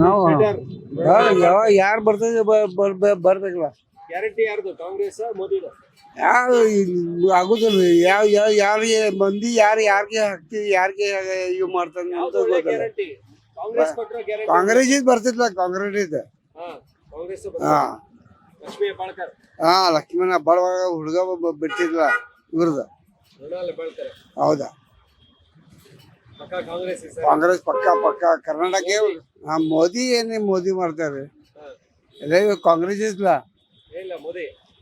ಯಾರು ಬರ್ತದೆ ಬರ್ಬೇಕಲ್ಲ.
ಗ್ಯಾರಂಟಿ ಯಾರ್ದು? ಕಾಂಗ್ರೆಸ್, ಮೋದಿದು?
ಯಾವ ಆಗುದಿಲ್ಲ. ಯಾವ ಯಾವ ಯಾರಿಗೆ ಮಂದಿ ಯಾರು ಯಾರಿಗೆ ಹಾಕ್ತಿವಿ, ಯಾರಿಗೆ ಇವ್ ಮಾಡ್ತಾನೆ ಅಂತ ಗೊತ್ತಿಲ್ಲ.
ಗ್ಯಾರಂಟಿ ಕಾಂಗ್ರೆಸ್ ಕೊಟ್ಟರೆ ಗ್ಯಾರಂಟಿ.
ಕಾಂಗ್ರೆಸ್ ಇದ್ ಬರ್ತಿದ್ಲ, ಕಾಂಗ್ರೆಸ್ ಇದ್.
ಹಾ, ಕಾಂಗ್ರೆಸ್.
ಹಾ,
ಲಕ್ಷ್ಮೀ ಹೆಬ್ಬಾಳ್ಕರ್.
ಹಾ, ಲಕ್ಷ್ಮಣ ಬಡವಾಗ ಹುಡುಗ ಬಿಟ್ಟಿದ್ಲ ಇವ್ರದ.
ಮೃಣಾಲ್ ಹೆಬ್ಬಾಳ್ಕರ್.
ಹೌದಾ?
ಪಕ್ಕಾ ಕಾಂಗ್ರೆಸ್ ಸರ್.
ಕಾಂಗ್ರೆಸ್ ಪಕ್ಕ ಪಕ್ಕ. ಕರ್ನಾಟಕ ಹಾ, ಮೋದಿ ಏನೇ ಮೋದಿ ಮಾಡ್ತಾರೆ. ಕಾಂಗ್ರೆಸ್ ಇದ್ಲ.
ಇಲ್ಲ ಮೋದಿ.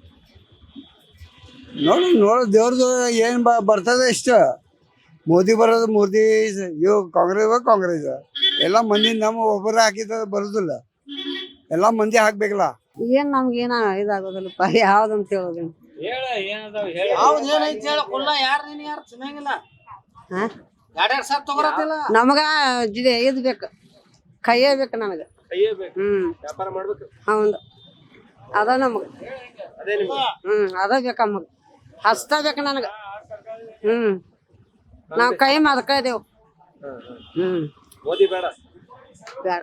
ನೋಡು ನೋಡು ದೇವ್ರದ್ದು ಏನ್ ಬ ಬರ್ತದೆ ಇಷ್ಟ. ಮೋದಿ ಬರೋದು ಮೋದಿ, ಇವ್ ಕಾಂಗ್ರೆಸ್ ಕಾಂಗ್ರೆಸ್ ಎಲ್ಲ ಮಂದಿ ನಮ್ಮ ಒಬ್ಬರ ಹಾಕಿದ ಬರುದಿಲ್ಲ. ಎಲ್ಲಾ ಮಂದಿ ಹಾಕ್ಬೇಕಲ್ಲ.
ಏನ್ ನಮ್ಗೇನ ಇದಾಗೋದಿಲ್ಲಪ್ಪ ಯಾವ್ದಂತ ಹೇಳೋದಿಲ್ಲ. ನಮಗ ಜಿದೆ ಇದ್ ಬೇಕು, ಕೈಯೇ ಬೇಕು ನನಗ. ಹ್ಮ್
ವ್ಯಾಪಾರ ಮಾಡ್ಬೇಕು.
ಹೌದು ಅದ ನಮಗ. ಹ್ಮ್ ಅದ ಬೇಕ ನಮಗ, ಹಸ್ತ ಬೇಕು ನನಗ. ಹ್ಮ್ ನಾವ್ ಕೈ ಮದಕ ಇದೇವ್. ಹ್ಮ್
ಮೋದಿ ಬೇಡ.
ಬೇಡ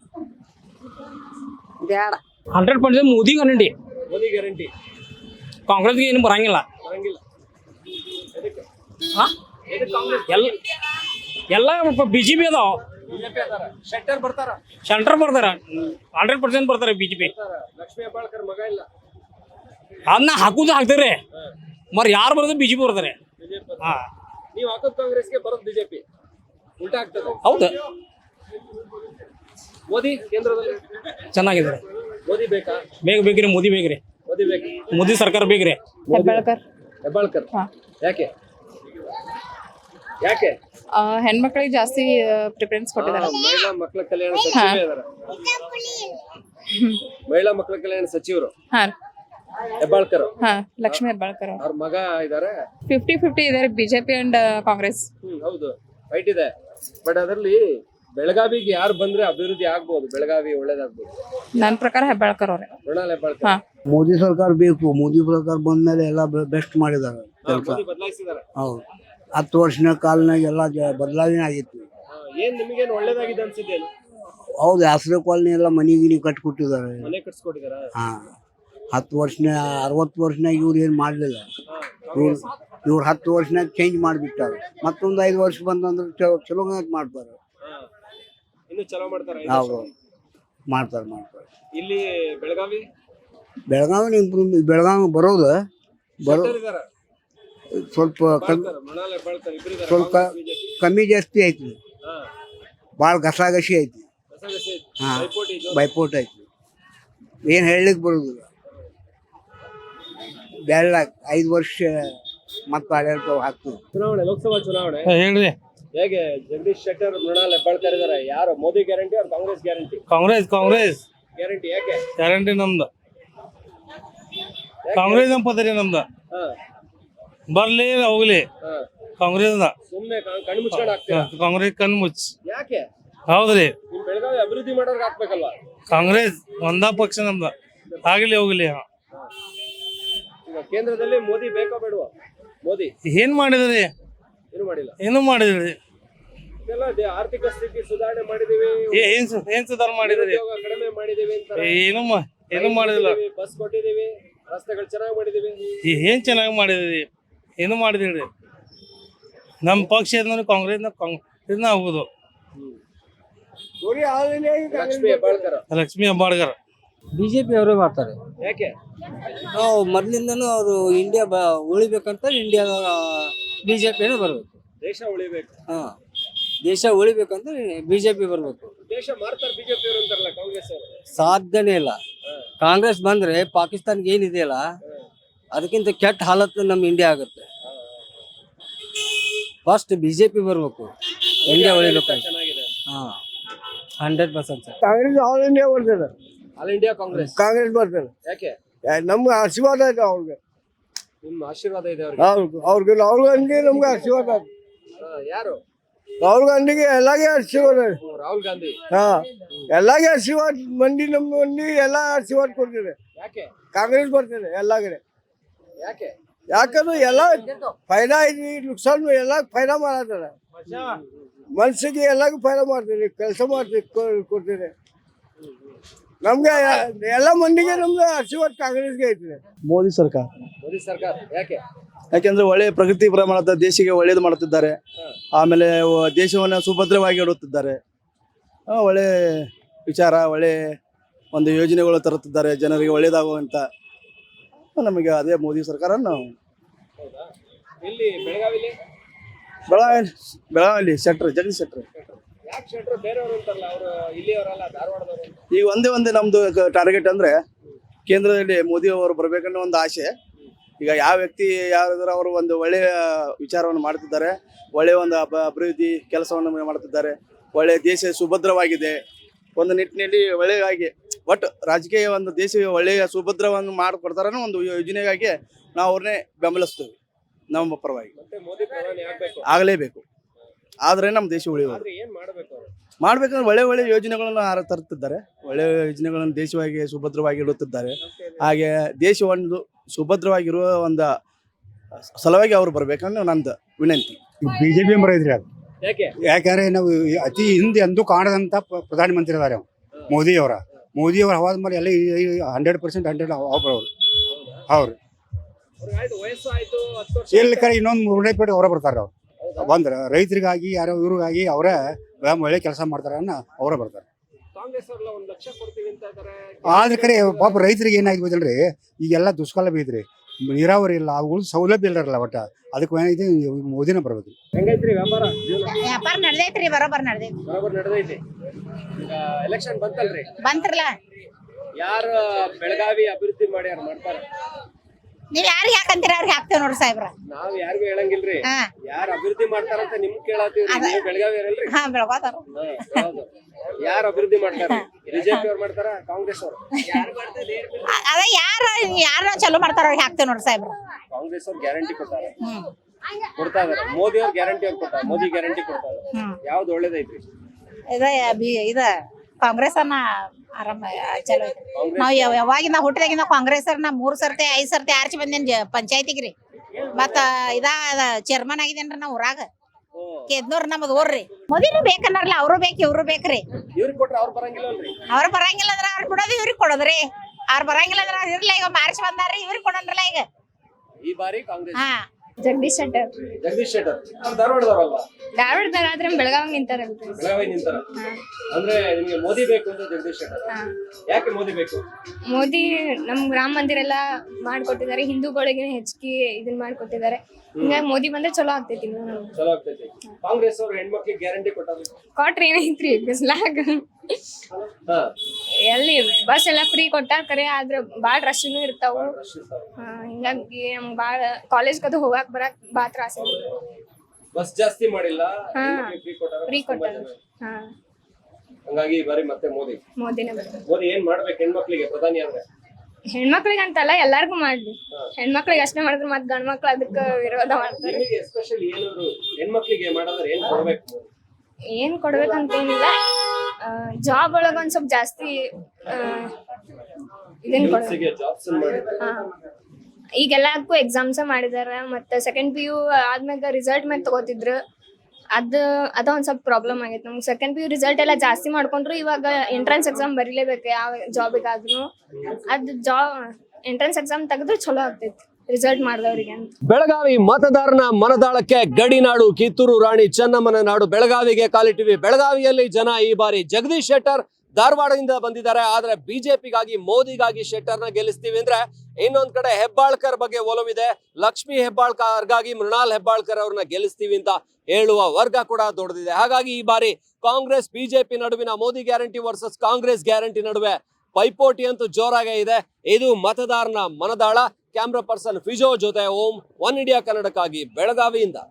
ಬೇಡ.
Hundred percent Modi guarantee.
Modi guarantee.
ಕಾಂಗ್ರೆಸ್ಗೆ ಏನು ಬರಂಗಿಲ್ಲ.
ಬರಂಗಿಲ್ಲ. ಎದಕ್ಕೆ?
ಹಾ
ಎದಕ್ಕೆ ಕಾಂಗ್ರೆಸ್?
ಎಲ್ಲ ಎಲ್ಲ ಬಿಜೆಪಿ ಅದಾವ.
ಬಿಜೆಪಿ ಅದಾರ. ಶೆಟ್ಟರ್ ಬರ್ತಾರ.
ಸೆಂಟರ್ ಬರ್ತಾರ, ಹಂಡ್ರೆಡ್ ಪರ್ಸೆಂಟ್ ಬರ್ತಾರೆ ಬಿಜೆಪಿ.
ಲಕ್ಷ್ಮೀ ಹೆಬ್ಬಾಳ್ಕರ್ ಮಗ ಇಲ್ಲ.
ಅದನ್ನ ಹಾಕುದು ಹಾಕ್ತಾರೆ, ಮರ್ ಯಾರು ಬರೋದು ಬಿಜೆಪಿ ಬರ್ತಾರೆ. ಹಾ
ನೀವು ಹಾಕೋದ್ ಕಾಂಗ್ರೆಸ್ಗೆ ಬರೋದು ಬಿಜೆಪಿ. ಉಲ್ಟಾ ಆಗ್ತದೆ.
ಹೌದು.
ಮೋದಿ ಕೇಂದ್ರದಲ್ಲಿ
ಚೆನ್ನಾಗಿದ್ದಾರೆ.
ಮೋದಿ ಬೇಕಾ?
ಬೇಗ ಬೇಕ್ರಿ, ಮೋದಿ ಬೇಕ್ರಿ.
ಮೋದಿ ಬೇಕು.
ಮೋದಿ ಸರ್ಕಾರ ಬೇಕ್ರಿ.
ಹೆಬ್ಬಾಳ್ಕರ್.
ಹೆಬ್ಬಾಳ್ಕರ್ ಯಾಕೆ ಯಾಕೆ
ಹೆಣ್ಮಕ್ಳಿಗೆ ಜಾಸ್ತಿ ಪ್ರಿಫರೆನ್ಸ್ ಕೊಟ್ಟಿದ್ದಾರೆ.
ಮಹಿಳಾ ಮಕ್ಕಳ ಕಲ್ಯಾಣ ಸಚಿವ ಇದಾರೆ. ಮಹಿಳಾ ಮಕ್ಕಳ ಕಲ್ಯಾಣ ಸಚಿವರು
ಹಾ
ಹೆಬ್ಬಾಳ್ಕರ್.
ಹಾ ಲಕ್ಷ್ಮೀ ಹೆಬ್ಬಾಳ್ಕರ್
ಅವ್ರ ಮಗ ಇದಾರೆ.
ಫಿಫ್ಟಿ ಫಿಫ್ಟಿ ಇದಾರೆ ಬಿಜೆಪಿ ಅಂಡ್ ಕಾಂಗ್ರೆಸ್.
ಹ್ಮ್ ಹೌದು, ಫೈಟ್ ಇದೆ. ಬಟ್ ಅದರಲ್ಲಿ ಬೆಳಗಾವಿಗೆ ಯಾರು ಬಂದ್ರೆ ಅಭಿವೃದ್ಧಿ ಆಗ್ಬಹುದು, ಬೆಳಗಾವಿ ಒಳ್ಳೇದಾಗ್ಬೋದು.
ನನ್ನ ಪ್ರಕಾರ ಹೆಬ್ಬಾಳ್ಕರ್ ಅವ್ರೆ.
ಮೃಣಾಲ್ ಹೆಬ್ಬಾಳ್ಕರ್.
ಹಾ
ಮೋದಿ ಸರ್ಕಾರ ಬೇಕು. ಮೋದಿ ಸರ್ಕಾರ ಬಂದ್ಮೇಲೆ ಎಲ್ಲ ಬೆಸ್ಟ್ ಮಾಡಿದಾರೆ ಕೆಲಸ.
ಮೋದಿ ಬದಲಾಯಿಸಿದಾರೆ.
ಹೌದು, ಹತ್ತು ವರ್ಷನ ಕಾಲನಾಗ ಎಲ್ಲ ಬದಲಾವಣೆ ಆಗಿತ್ತು.
ಏನ್ ನಿಮಗೇನು ಒಳ್ಳೇದಾಗಿದೆ ಅನ್ಸಿದ್ದೇನು?
ಹೌದು, ಆಶ್ರಯ ಕಾಲನಿ ಎಲ್ಲ ಮನಿ ಗಿನಿ ಕಟ್ಕೊಟ್ಟಿದ್ದಾರೆ.
ಮನೆ ಕಟ್ಸ್ಕೊಟ್ಟಿದಾರ.
ಹಾ, ಹತ್ತು ವರ್ಷನ ಅರವತ್ತು ವರ್ಷನಾಗ ಇವ್ರು ಏನ್ ಮಾಡ್ಲಿಲ್ಲ. ಇವ್ರು ಇವ್ರು ಹತ್ತು ವರ್ಷನಾಗ ಚೇಂಜ್ ಮಾಡಿಬಿಟ್ಟಾರೆ. ಮತ್ತೊಂದು ಐದು ವರ್ಷ ಬಂದಂದ್ರೆ ಚಲೋ ಮಾಡ್ತಾರೆ.
ಇನ್ನು ಚಲೋ ಮಾಡ್ತಾರೆ.
ಹೌದು, ಮಾಡ್ತಾರೆ ಮಾಡ್ತಾರೆ.
ಇಲ್ಲಿ ಬೆಳಗಾವಿ
ಬೆಳಗಾವಿ ಇಂಪ್ರೂವ್ ಬೆಳಗಾವಿ ಬರೋದು ಬರೋ ಸ್ವಲ್ಪ ಕಮ್ಮಿ,
ಮೃಣಾಲ್ ಹೆಬ್ಬಾಳ್ಕರ್ ಇಬ್ರು ಇದಾರೆ.
ಸ್ವಲ್ಪ ಕಮ್ಮಿ ಜಾಸ್ತಿ ಐತಿ. ಭಾಳ ಗಸಾಗಸಿ ಐತಿ. ಹಾ, ಬೈಪೋಟ್ ಐತಿ. ಏನ್ ಹೇಳಲಿಕ್ಕೆ ಬರೋದಿಲ್ಲ. ಬೇಡ ಐದು ವರ್ಷ ಮತ್ತೆ ಆಡಳಿತ ಹಾಕ್ತೀವಿ.
ಚುನಾವಣೆ, ಲೋಕಸಭಾ ಚುನಾವಣೆ
ಹೇಳ್ರಿ.
ಹೇಗೆ ಜಗದೀಶ್ ಶೆಟ್ಟರ್, ಮೃಣಾಲ್ ಹೆಬ್ಬಾಳ್ಕರ್ ಇದಾರೆ. ಯಾರು ಮೋದಿ ಗ್ಯಾರಂಟಿ ಅವ್ರ ಕಾಂಗ್ರೆಸ್ ಗ್ಯಾರಂಟಿ?
ಕಾಂಗ್ರೆಸ್ ಕಾಂಗ್ರೆಸ್
ಗ್ಯಾರಂಟಿ. ಯಾಕೆ
ಗ್ಯಾರಂಟಿ? ನಮ್ದು ಕಾಂಗ್ರೆಸ್ ಪದರಿ ನಮ್ದು.
ಹಾ
ಬರ್ಲಿ ಹೋಗ್ಲಿ
ಹಾ
ಕಾಂಗ್ರೆಸ್
ಸುಮ್ನೆ ಕಣ್ಣು ಮುಚ್ಕೊಂಡು ಹಾಕ್ತೀರಾ?
ಕಾಂಗ್ರೆಸ್ ಕಣ್ ಮುಚ್ಚ.
ಯಾಕೆ?
ಹೌದ್ರಿ,
ನಿಮ್ ಬೆಳಗಾವಿ ಅಭಿವೃದ್ಧಿ ಮಾಡೋರ್ಗೆ ಹಾಕ್ಬೇಕಲ್ಲ.
ಕಾಂಗ್ರೆಸ್ ಒಂದ ಪಕ್ಷ ನಮ್ದು. ಆಗ್ಲಿ ಹೋಗ್ಲಿ.
ಈಗ ಕೇಂದ್ರದಲ್ಲಿ ಮೋದಿ ಬೇಕೋ ಬೇಡವಾ? ಮೋದಿ
ಏನ್ ಮಾಡಿದ್ರಿ?
ಏನು ಮಾಡಿಲ್ಲ.
ಏನು ಮಾಡಿದ್ರಿ?
ಇದೆಲ್ಲ ದೇ- ಆರ್ಥಿಕ ಸ್ಥಿತಿ ಸುಧಾರಣೆ ಮಾಡಿದೀವಿ,
ಏ- ಏನ್ ಸು- ಏನ್ ಸುಧಾರ ಮಾಡಿದ್ರಿ?
ಉದ್ಯೋಗ ಕಡಿಮೆ ಮಾಡಿದೀವಿ ಅಂತ.
ಏನು ಮಾ- ಏನು ಮಾಡಿದಿಲ್ಲ.
ಬಸ್ ಕೊಟ್ಟಿದೀವಿ, ರಸ್ತೆಗಳು ಚೆನ್ನಾಗಿ ಮಾಡಿದೀವಿ.
ಏನ್ ಚೆನ್ನಾಗಿ ಮಾಡಿದ್ರಿ? ಏನು ಮಾಡಿದಿಲ್ರಿ. ನಮ್ ಪಕ್ಷ ಅಂದ್ರೆ ಕಾಂಗ್ರೆಸ್ನ ಕಾಂಗ್ರೆಸ್ನ ಆಗುದು.
ಲಕ್ಷ್ಮೀ ಹೆಬ್ಬಾಳ್ಕರ್.
ಲಕ್ಷ್ಮೀ ಹೆಬ್ಬಾಳ್ಕರ್
ಬಿಜೆಪಿ ಅವರೇ ಮಾಡ್ತಾರೆ.
ಯಾಕೆ?
ನಾವು ಮೊದ್ಲಿಂದನೂ ಅವರು ಇಂಡಿಯಾ ಬ ಉಳಿಬೇಕಂತ ಇಂಡಿಯಾ ಬಿಜೆಪಿನೇ ಬರ್ಬೇಕು.
ದೇಶ ಉಳಿಬೇಕು.
ಹಾ, ದೇಶ ಉಳಿಬೇಕಂದ್ರೆ ಬಿಜೆಪಿ ಬರ್ಬೇಕು.
ದೇಶ ಮಾರ್ತಾರೆ ಬಿಜೆಪಿ ಅವರು ಅಂತಾರಲ್ಲ ಕಾಂಗ್ರೆಸ್ ಅವರು.
ಸಾಧ್ಯನೇ ಇಲ್ಲ. ಕಾಂಗ್ರೆಸ್ ಬಂದ್ರೆ ಪಾಕಿಸ್ತಾನ್ಗೆ ಏನಿದೆಯಲ್ಲ ಅದಕ್ಕಿಂತ ಕೆಟ್ಟ ಹಾಲತ್ ನಮ್ಮ ಇಂಡಿಯಾ ಆಗುತ್ತೆ. ಫಸ್ಟ್ ಬಿಜೆಪಿ ಬರ್ಬೇಕು, ಇಂಡಿಯಾ ಉಳಿಬೇಕಂತ.
ಚೆನ್ನಾಗಿದೆ.
ಹಾ, hundred percent sir.
Congress all India ಬರ್ತದೆ.
All India Congress.
ಕಾಂಗ್ರೆಸ್ ಬರ್ತದೆ.
ಯಾಕೆ?
ನಮ್ಗೆ ಆಶೀರ್ವಾದ ಇದೆ ಅವ್ರಿಗೆ.
ನಿಮ್ಮ ಆಶೀರ್ವಾದ ಇದೆ ಅವ್ರಿಗೆ.
ಅವ್ರಿಗೆ ಅವ್ರಿಗೆ ರಾಹುಲ್ ಗಾಂಧಿ ನಮ್ಗೆ ಆಶೀರ್ವಾದ.
ಹಾ, ಯಾರು?
ರಾಹುಲ್ ಗಾಂಧಿಗೆ ಎಲ್ಲಾಗೆ ಆಶೀರ್ವಾದ.
ಓ, ರಾಹುಲ್ ಗಾಂಧಿ.
ಹಾ, ಎಲ್ಲಾಗೆ ಆಶೀರ್ವಾದ. ಮಂದಿ ನಮ್ಮ ಮಂದಿ ಎಲ್ಲ ಆಶೀರ್ವಾದ ಕೊಡ್ತಿದೆ.
ಯಾಕೆ?
ಕಾಂಗ್ರೆಸ್ ಬರ್ತದೆ ಎಲ್ಲಾಗಡೆ.
ಯಾಕೆ?
ಯಾಕಂದ್ರೆ ಎಲ್ಲ ಫೈದಾ ಐತಿ, ನುಕ್ಸಾನ್ ಎಲ್ಲ ಫೈದಾ ಮಾಡತ್ತಾರ. ಮನ್ಸಿಗೆ ಎಲ್ಲಾಗೂ ಫೈದಾ ಮಾಡ್ತೀರಿ, ಕೆಲಸ ಮಾಡ್ತೀವಿ ಕೊಡ್ತೀರಿ. ನಮ್ಗೆ ಎಲ್ಲ ಮಂದಿಗೆ ನಮ್ಗೆ ಆಶೀರ್ವಾದ ಕಾಂಗ್ರೆಸ್ಗೆ ಐತಿದೆ.
ಮೋದಿ ಸರ್ಕಾರ.
ಮೋದಿ ಸರ್ಕಾರ ಯಾಕೆ?
ಯಾಕೆಂದ್ರೆ ಒಳ್ಳೆ ಪ್ರಗತಿ ಪ್ರಮಾಣದ ದೇಶಕ್ಕೆ ಒಳ್ಳೇದು ಮಾಡುತ್ತಿದ್ದಾರೆ. ಆಮೇಲೆ ವ- ದೇಶವನ್ನ ಸುಭದ್ರವಾಗಿ ಇಡುತ್ತಿದ್ದಾರೆ. ಆ, ಒಳ್ಳೆ ವಿಚಾರ, ಒಳ್ಳೆ ಒಂದು ಯೋಜನೆಗಳು ತರುತ್ತಿದ್ದಾರೆ ಜನರಿಗೆ ಒಳ್ಳೇದಾಗುವಂತ. ನಮಗೆ ಅದೇ ಮೋದಿ ಸರ್ಕಾರ. ನಾವು
ಹೌದಾ? ಇಲ್ಲಿ ಬೆಳಗಾವಿಲಿ
ಬೆಳಗಾವಿ ಬೆಳಗಾವಿಯಲ್ಲಿ ಶೆಟ್ರ್ ಜಗದೀಶ್ ಶೆಟ್ರ್.
ಯಾಕೆ ಶೆಟ್ರು ಬೇರೆಯವರು ಅಂತಾರಲ್ಲ, ಅವರು ಇಲ್ಲಿಯವರಲ್ಲ, ಧಾರವಾಡದವರು ಅಂತ.
ಈಗ ಒಂದೇ ಒಂದೇ ನಮ್ದು ಟಾರ್ಗೆಟ್ ಅಂದ್ರೆ ಕೇಂದ್ರದಲ್ಲಿ ಮೋದಿ ಅವರು ಬರ್ಬೇಕನ್ನೋ ಒಂದು ಆಸೆ. ಈಗ ಯಾವ ವ್ಯಕ್ತಿ ಯಾರಾದ್ರೂ ಅವರು ಒಂದು ಒಳ್ಳೆಯ ವಿಚಾರವನ್ನು ಮಾಡ್ತಿದ್ದಾರೆ, ಒಳ್ಳೆಯ ಒಂದು ಅಭ- ಅಭಿವೃದ್ಧಿ ಕೆಲಸವನ್ನು ಮಾಡ್ತಿದ್ದಾರೆ. ಒಳ್ಳೆಯ ದೇಶ ಸುಭದ್ರವಾಗಿದೆ. ಒಂದು ನಿಟ್ಟಿನಲ್ಲಿ ಒಳ್ಳೆಯಾಗಿ ಒಟ್ಟು ರಾಜಕೀಯ ಒಂದು ದೇಶ ಒಳ್ಳೆಯ ಸುಭದ್ರವನ್ನು ಮಾಡಿಕೊಡ್ತಾರ ಒಂದು ಯೋಜನೆಗಾಗಿ ನಾವು ಅವ್ರನ್ನೇ ಬೆಂಬಲಿಸ್ತೇವೆ ನಮ್ಮ ಪರವಾಗಿ. ಆಗಲೇಬೇಕು, ಆದ್ರೆ ನಮ್ಮ ದೇಶ ಉಳಿಯೋದು. ಮಾಡ್ಬೇಕಂದ್ರೆ ಒಳ್ಳೆ ಒಳ್ಳೆ ಯೋಜನೆಗಳನ್ನು ಆರ ತರುತ್ತಿದ್ದಾರೆ, ಒಳ್ಳೆ ಯೋಜನೆಗಳನ್ನು ದೇಶವಾಗಿ ಸುಭದ್ರವಾಗಿ ಇಡುತ್ತಿದ್ದಾರೆ. ಹಾಗೆ ದೇಶ ಒಂದು ಸುಭದ್ರವಾಗಿರುವ ಒಂದು ಸಲುವಾಗಿ ಅವ್ರು ಬರ್ಬೇಕನ್ನೋ ನಂದು ವಿನಂತಿ.
ಬಿಜೆಪಿ ಎಂಬರ ಇದ್ರಿ ಅದು
ಯಾಕೆ
ಯಾಕಂದ್ರೆ ನಾವು ಅತಿ ಹಿಂದೆ ಎಂದೂ ಕಾಣದಂತ ಪ- ಪ್ರಧಾನಮಂತ್ರಿ ಇದಾರೆ ಅವ್ರು, ಮೋದಿ ಅವರ ಮೋದಿ ಅವರ ಹವಾದ ಮೇಲೆ ಎಲ್ಲ ಹಂಡ್ರೆಡ್ ಪರ್ಸೆಂಟ್ ಹಂಡ್ರೆಡ್ ಅವ್ರು ಅವ್ರು
ವಯಸ್ಸು ಆಯ್ತು, ಹತ್ತು ವರ್ಷ
ಎಲ್ಲಿ ಕರೆ ಇನ್ನೊಂದು ಮೂರನೇ ಪೇಟೆ ಅವರೇ ಬರ್ತಾರೆ. ಅವ್ರು ಬಂದ್ರೆ ರೈತರಿಗಾಗಿ ಯಾರೋ ಇವ್ರಿಗಾಗಿ ಅವರೇ ಒಳ್ಳೆ ಕೆಲಸ ಮಾಡ್ತಾರ ಅವರೇ ಬರ್ತಾರೆ.
ಕಾಂಗ್ರೆಸ್ ಅವ್ರಲ್ಲ ಒಂದ್ ಲಕ್ಷ ಕೊಡ್ತೀವಿ ಅಂತ ಇದಾರೆ.
ಆದ್ರೆ ಕರೆ ಪಾಪ ರೈತರಿಗೆ ಏನಾಗಿಬೋದಲ್ರಿ, ಈಗೆಲ್ಲ ದುಷ್ಕಾಲ ಬೈದ್ರಿ, ನೀರಾವರಿ ಇಲ್ಲ, ಅವುಗಳು ಸೌಲಭ್ಯ ಇಲ್ಲರಲ್ಲ ಒಟ್ಟ. ಅದಕ್ಕೆ ಏನಿದೆ ಮೋದಿನ ಬರ್ಬೇಕು.
ಹೆಂಗೈತ್ರಿ ವ್ಯಾಪಾರ?
ವ್ಯಾಪಾರ ನಡ್ದೈತ್ರಿ, ಬರೋಬರ್ ನಡ್ದೈತಿ.
ಬರೋಬ್ಬರ್ ನಡೆದೈತಿ. ಈಗ ಎಲೆಕ್ಷನ್ ಬಂತಲ್ರಿ,
ಬಂತ್ರಲ್ಲ,
ಯಾರು ಬೆಳಗಾವಿ ಅಭಿವೃದ್ಧಿ ಮಾಡ್ಯಾರ ಮಾಡ್ತಾರ?
ನೀವ್ ಯಾರಿಗೆ ಹಾಕಂತೀರ ಅವ್ರಿಗೆ ಹಾಕ್ತೇವ್ ನೋಡ್ರಿ ಸಾಹೇಬ್ರ.
ನಾವ್ ಯಾರಿಗೂ ಹೇಳಂಗಿಲ್ರಿ,
ಹಾ
ಯಾರು ಅಭಿವೃದ್ಧಿ ಮಾಡ್ತಾರಂತ ನಿಮ್ ಕೇಳತ್ತೀವ್ರಿ. ನೀವು ಬೆಳಗಾವಿ ಇರಲ್ರಿ?
ಹಾ ಬೆಳಗಾತಾರ.
ಯಾರು ಅಭಿವೃದ್ಧಿ ಮಾಡ್ತಾರ? ಬಿಜೆಪಿ ಅವ್ರು ಮಾಡ್ತಾರ, ಕಾಂಗ್ರೆಸ್ ಅವ್ರು?
ಅ- ಅದ ಯಾರ ಯಾರ ಚಲೋ ಮಾಡ್ತಾರ ಅವ್ರಿಗೆ ಹಾಕ್ತೇವ್ ನೋಡ್ರಿ ಸಾಹೇಬ್ರ.
ಕಾಂಗ್ರೆಸ್ ಅವ್ರು ಗ್ಯಾರಂಟಿ ಕೊಡ್ತಾರ,
ಹ್ಮ್
ಕೊಡ್ತಾ ಇದಾರೆ. ಮೋದಿ ಅವ್ರು ಗ್ಯಾರಂಟಿ ಅವ್ರು ಕೊಡ್ತಾರ, ಮೋದಿ ಗ್ಯಾರಂಟಿ ಕೊಡ್ತಾ ಇದಾರೆ.
ಹ್ಮ್
ಯಾವ್ದು ಒಳ್ಳೇದೈತ್ರಿ?
ಇದ ಬಿ- ಇದ ಕಾಂಗ್ರೆಸ್ ಅನ್ನ ಆರಾಮ ಚಲೋ ಐತಿ. ನಾವ್ ಯಾವ- ಯಾವಾಗಿಂದ ಹುಟ್ಟಿದಾಗಿಂದ ಕಾಂಗ್ರೆಸ್ ನಾ ಮೂರ್ ಸರ್ತಿ ಐದ್ ಸರ್ತಿ ಆರ್ಚಿ ಬಂದೇನ್ ಪಂಚಾಯತಿಗ್ರಿ. ಮತ್ತ ಇದ ಚೇರ್ಮನ್ ಆಗಿದೇನ್ರಿ ನಾವ್ ಊರಾಗ. ಕೆದ್ನೂರ್ ನಮ್ಮದ್ ಊರ್ರಿ. ಮೋದಿನೂ ಬೇಕನ್ನರ್ಲ, ಅವ್ರು ಬೇಕ್ ಇವ್ರು ಬೇಕ್ರಿ.
ಇವ್ರಿಗೆ ಕೊಟ್ರೆ ಅವ್ರು ಬರಂಗಿಲ್ಲಲ್ರಿ?
ಅವ್ರ ಬರಂಗಿಲ್ಲ ಅಂದ್ರ ಅವ್ರ ಬಿಡೋದು, ಇವ್ರಿಗೆ ಕೊಡೋದ್ರಿ. ಅವ್ರ ಬರಂಗಿಲ್ಲ ಅಂದ್ರ ಅವ್ರ್ ಇರ್ಲಿ, ಈಗ ಮಾರ್ಚ್ ಬಂದಾರ್ರಿ, ಇವ್ರಿಗೆ ಕೊಡೋಣ್ರಲ್ಲ ಈಗ.
ಈ ಬಾರಿ ಕಾಂಗ್ರೆಸ್.
ಹಾ
ಜಗದೀಶ್ ಶೆಟ್ಟರ್
ಜಗದೀಶ್ ಶೆಟ್ಟರ್ ಧಾರವಾಡದವ್ರಲ್ವಾ?
ಧಾರವಾಡದವ್ರ ಆದ್ರೆ ಬೆಳಗಾವಿ ನಿಂತಾರಲ್ರಿ.
ಬೆಳಗಾವಿ ನಿಂತಾರ. ಅಂದ್ರೆ ನಿಮ್ಗೆ ಮೋದಿ ಬೇಕು ಅಂತ ಜಗದೀಶ್ ಶೆಟ್ಟರ್. ಯಾಕೆ ಮೋದಿ ಬೇಕು?
ಮೋದಿ ನಮ್ ರಾಮ ಮಂದಿರ ಎಲ್ಲಾ ಮಾಡ್ಕೊಟ್ಟಿದ್ದಾರೆ, ಹಿಂದೂಗಳಿಗೆ ಹೆಚ್ಚಿಗೆ ಇದನ್ ಮಾಡ್ಕೊಟ್ಟಿದ್ದಾರೆ. ಹಿಂಗಾಗಿ ಮೋದಿ ಬಂದ್ರೆ ಚಲೋ ಆಗ್ತೈತಿ.
ಚಲೋ ಆಗ್ತೈತಿ. ಕಾಂಗ್ರೆಸ್ ಅವ್ರು ಹೆಣ್ಮಕ್ಳಿಗೆ ಗ್ಯಾರಂಟಿ ಕೊಟ್ಟಾರ,
ಕೊಟ್ರಿ ಏನೈತ್ರಿ ಬಿಸ್ಲಾಗ
ಹಾ
ಎಲ್ಲಿ ಬಸ್ ಎಲ್ಲಾ ಫ್ರೀ ಕೊಟ್ಟಾರ ಕರೆ, ಆದ್ರ ಬಾಳ್ ರಶ್ನು ಇರ್ತಾವ. ಹಾ, ಹಿಂಗಾಗಿ ನಮ್ಗ್ ಬಾಳ ಕಾಲೇಜ್ ಕದು ಹೋಗಾಕ್ ಬರಾಕ್ ಬಾಳ ತ್ರಾಸ.
ಬಸ್ ಜಾಸ್ತಿ ಮಾಡಿಲ್ಲ,
ಹಾ.
ಫ್ರೀ ಕೊಟ್ಟಾರ,
ಫ್ರೀ
ತುಂಬಾ
ಕೊಟ್ಟಾರ.
ಜನ.
ಹಾ
ಹಂಗಾಗಿ ಈ ಬಾರಿ ಮತ್ತೆ ಮೋದಿ.
ಮೋದಿನೇ ಬರ್ತಾರೆ.
ಮೋದಿ ಏನ್ ಮಾಡ್ಬೇಕು ಹೆಣ್ಮಕ್ಳಿಗೆ ಪ್ರಧಾನಿ ಆದ್ರೆ?
ಹೆಣ್ಮಕ್ಳಿಗೆ ಅಂತಲ್ಲ, ಎಲ್ಲಾರ್ಗು ಮಾಡ್ಲಿ. ಹೆಣ್ಮಕ್ಳಿಗೆ ಅಷ್ಟೇ ಮಾಡಿದ್ರೆ ಮತ್ ಗಂಡ್ ಮಕ್ಳು ಅದಕ್ಕ ವಿರೋಧ ಮಾಡ್ತಾರೆ.
ನಿಮಗೆ ಎಸ್ಪೆಷಲಿ ಏನಾದ್ರು ಹೆಣ್ಮಕ್ಳಿಗೆ ಮಾಡಿದ್ರೆ ಏನ್ ಕೊಡ್ಬೇಕು?
ಏನ್ ಕೊಡ್ಬೇಕಂತ ಏನಿಲ್ಲ, ಜಾಬ್ ಒಳಗ ಒಂದ್ ಸ್ವಲ್ಪ ಜಾಸ್ತಿ ಆ, ಇದನ್ ಕೊಡ್ಬೇಕು.
ಜಾಬ್ಸ್ ಮಾಡಿದ್ರೆ
ಹಾ. ಈಗೆಲ್ಲದಕ್ಕೂ ಎಕ್ಸಾಮ್ಸ್ ಮಾಡಿದಾರ, ಮತ್ತೆ ಸೆಕೆಂಡ್ ಪಿ ಯು ಆದ್ಮ್ಯಾಗ ರಿಸಲ್ಟ್ ಮೇಲೆ ತಗೋತಿದ್ರು. ಅದ ಅದ ಒಂದ್ ಸ್ವಲ್ಪ ಪ್ರಾಬ್ಲಮ್ ಆಗೈತೆ ನಮ್ಗೆ. ಸೆಕೆಂಡ್ ಪಿ ಯು ರಿಸಲ್ಟ್ ಎಲ್ಲ ಜಾಸ್ತಿ ಮಾಡ್ಕೊಂಡ್ರು, ಇವಾಗ ಎಂಟ್ರೆನ್ಸ್ ಎಕ್ಸಾಮ್ ಬರೀಲೇಬೇಕು ಯಾವ ಜಾಬಿಗಾದ್ರೂ. ಅದ್ ಜಾಬ್ ಎಂಟ್ರೆನ್ಸ್ ಎಕ್ಸಾಮ್ ತೆಗೆದ್ರೆ ಚಲೋ ಆಗ್ತೈತಿ ರಿಸಲ್ಟ್ ಮಾಡಿದವ್ರಿಗೆ ಅಂತ.
ಬೆಳಗಾವಿ ಮತದಾರನ ಮನದಾಳಕ್ಕೆ ಗಡಿನಾಡು ಕಿತ್ತೂರು ರಾಣಿ ಚೆನ್ನಮ್ಮನ ನಾಡು ಬೆಳಗಾವಿಗೆ ಕಾಲಿಟ್ಟಿವಿ. ಬೆಳಗಾವಿಯಲ್ಲಿ ಜನ ಈ ಬಾರಿ ಜಗದೀಶ್ ಶೆಟ್ಟರ್ ಧಾರವಾಡದಿಂದ ಬಂದಿದ್ದಾರೆ. ಆದ್ರೆ ಬಿಜೆಪಿಗಾಗಿ ಮೋದಿಗಾಗಿ ಶೆಟ್ಟರ್ನ ಗೆಲ್ಲಿಸ್ತೀವಿ ಅಂದ್ರೆ ಇನ್ನೊಂದ್ ಕಡೆ ಹೆಬ್ಬಾಳ್ಕರ್ ಬಗ್ಗೆ ಒಲವಿದೆ. ಲಕ್ಷ್ಮಿ ಹೆಬ್ಬಾಳ್ಕರ್ಗಾಗಿ ಮೃಣಾಲ್ ಹೆಬ್ಬಾಳ್ಕರ್ ಅವ್ರನ್ನ ಗೆಲ್ಲಿಸ್ತೀವಿ ಅಂತ ಹೇಳುವ ವರ್ಗ ಕೂಡ ದೊಡ್ಡದಿದೆ. ಹಾಗಾಗಿ ಈ ಬಾರಿ ಕಾಂಗ್ರೆಸ್ ಬಿಜೆಪಿ ನಡುವಿನ Modi guarantee versus Congress guarantee ನಡುವೆ ಪೈಪೋಟಿ ಅಂತೂ ಜೋರಾಗೇ ಇದೆ. ಇದು ಮತದಾರನ ಮನದಾಳ. ಕ್ಯಾಮ್ರಾ ಪರ್ಸನ್ ಫಿಜೋ ಜೊತೆ ಓಂ, ಒನ್ ಇಂಡಿಯಾ ಕನ್ನಡಕ್ಕಾಗಿ ಬೆಳಗಾವಿಯಿಂದ.